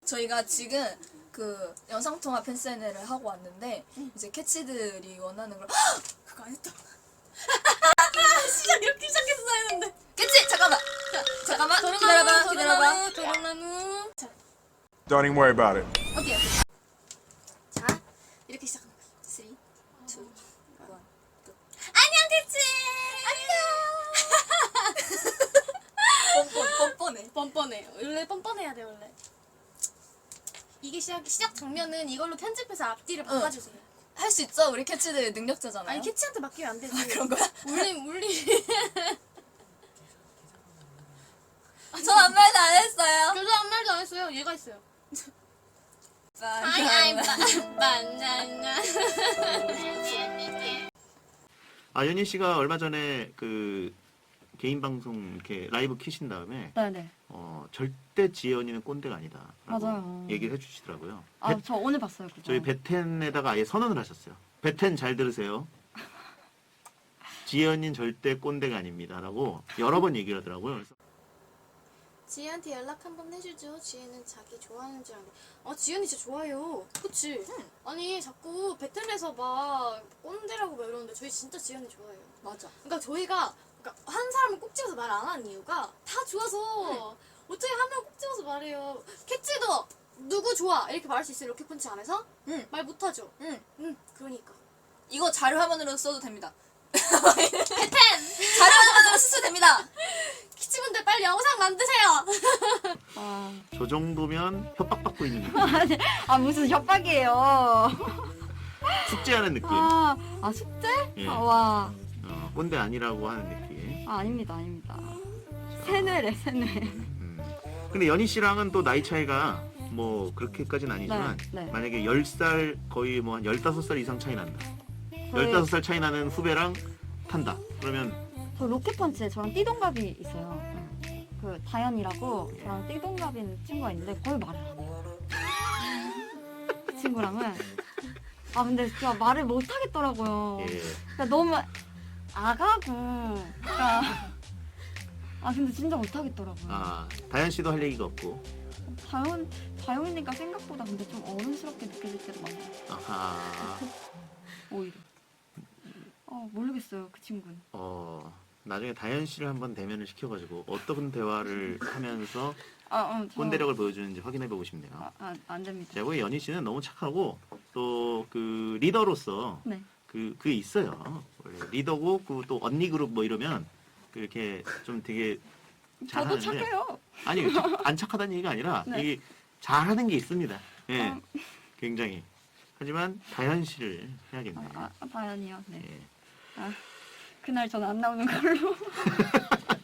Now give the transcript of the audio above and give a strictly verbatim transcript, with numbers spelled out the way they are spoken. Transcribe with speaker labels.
Speaker 1: 저희가 지금 그 영상통화 팬사인회를 하고 왔는데 응. 이제 캐치들이 원하는 걸 그거 안 했다. 시작 이렇게 시작했어야 했는데. 캐치 잠깐만. 자, 잠깐만 기다려봐 기다려봐.
Speaker 2: 도롱나무. 자.
Speaker 3: Don't even worry about it.
Speaker 1: 오케이 오케이.
Speaker 2: 자 이렇게 시작하는 거야.
Speaker 1: 쓰리, 투, 원.
Speaker 2: 안녕 캐치. 안녕.
Speaker 1: 뻔뻔 뻔뻔해.
Speaker 2: 뻔뻔해. 원래 뻔뻔해야 돼 원래. 이게 시작 시작 장면은 이걸로 편집해서 앞뒤를 바꿔주세요.
Speaker 1: 할 수 있죠? 우리 캐치들 능력자잖아요.
Speaker 2: 아니 캐치한테 맡기면 안 되지.
Speaker 1: 아, 그런 거야?
Speaker 2: 물리 물리.
Speaker 1: 전 아무 말도 안 했어요.
Speaker 2: 저도 아무 말도 안 했어요. 얘가 했어요. 아이 아이 바나나.
Speaker 4: 아 연희 씨가 얼마 전에 그 개인 방송 이렇게 라이브 키신 다음에
Speaker 5: 네네.
Speaker 4: 어 절대 지연이는 꼰대가 아니다.
Speaker 5: 맞아요.
Speaker 4: 얘기를 해주시더라고요.
Speaker 5: 아,
Speaker 4: 베-
Speaker 5: 저 오늘 봤어요. 그거.
Speaker 4: 저희 베텐에다가 아예 선언을 하셨어요. 베텐 잘 들으세요. 지연이는 절대 꼰대가 아닙니다라고 여러 번 얘기를 하더라고요. 그래서
Speaker 2: 지혜한테 연락 한번 해주죠. 지혜는 자기 좋아하는 줄 알고. 아 지혜는 진짜 좋아요. 그치? 아니 자꾸 베텔에서 막 꼰대라고 막 이러는데 저희 진짜 지혜는 좋아해요.
Speaker 1: 맞아.
Speaker 2: 그러니까 저희가 그러니까 한 사람을 꼭 집어서 말 안 하는 이유가 다 좋아서 어떻게 한 명 꼭 집어서 말해요. 캐치도 누구 좋아 이렇게 말할 수 있어요. 로켓펀치 안에서?
Speaker 1: 응.
Speaker 2: 말 못하죠.
Speaker 1: 응.
Speaker 2: 응. 그러니까.
Speaker 1: 이거 자료 화면으로 써도 됩니다.
Speaker 2: 베텐!
Speaker 1: 자료 화면으로 쓰셔도 됩니다.
Speaker 2: 키치분들 빨리 영상 만드세요.
Speaker 5: 아,
Speaker 4: 저 정도면 협박받고 있는 느낌.
Speaker 5: 아니, 아 무슨 협박이에요.
Speaker 4: 숙제하는 느낌.
Speaker 5: 아, 아 숙제?
Speaker 4: 예.
Speaker 5: 아, 와.
Speaker 4: 어, 꼰대 아니라고 하는 느낌.
Speaker 5: 아, 아닙니다, 아닙니다. 세뇌래, 세뇌.
Speaker 4: 음. 근데 연희 씨랑은 또 나이 차이가 뭐 그렇게까지는 아니지만
Speaker 5: 네, 네.
Speaker 4: 만약에 열 살 거의 뭐 한 열다섯 살 이상 차이 난다.
Speaker 5: 저희-
Speaker 4: 열다섯 살 차이 나는 후배랑 탄다. 그러면
Speaker 5: 저 로켓펀치에 저랑 띠동갑이 있어요. 그 다현이라고 저랑 띠동갑인 친구가 있는데 거의 말을 안 해요. 그 친구랑은 아 근데 진짜 말을 못 하겠더라고요.
Speaker 4: 예.
Speaker 5: 그러니까 너무 아가고 그러니까 아 근데 진짜 못 하겠더라고요.
Speaker 4: 아 다현 씨도 할 얘기가 없고.
Speaker 5: 다현 다현이니까 생각보다 근데 좀 어른스럽게 느껴질 때도 많아요.
Speaker 4: 아하.
Speaker 5: 오히려. 어 모르겠어요 그 친구는.
Speaker 4: 어 나중에 다현 씨를 한번 대면을 시켜가지고 어떤 대화를 하면서
Speaker 5: 아, 어, 저,
Speaker 4: 꼰대력을 보여주는지 확인해보고 싶네요.
Speaker 5: 아, 아, 안 됩니다.
Speaker 4: 제가 보기에 연희 씨는 너무 착하고 또 그 리더로서
Speaker 5: 네.
Speaker 4: 그 그게 있어요. 원래 리더고 그 또 언니 그룹 뭐 이러면 그렇게 좀 되게
Speaker 5: 저도
Speaker 4: 잘하는데
Speaker 5: 착해요.
Speaker 4: 아니 착- 안 착하다는 얘기가 아니라
Speaker 5: 네.
Speaker 4: 이게 잘하는 게 있습니다. 예,
Speaker 5: 아.
Speaker 4: 굉장히. 하지만 다현 씨를 해야겠네요.
Speaker 5: 아, 아 다현이요. 네.
Speaker 4: 예.
Speaker 5: 아, 그날 전 안 나오는 걸로.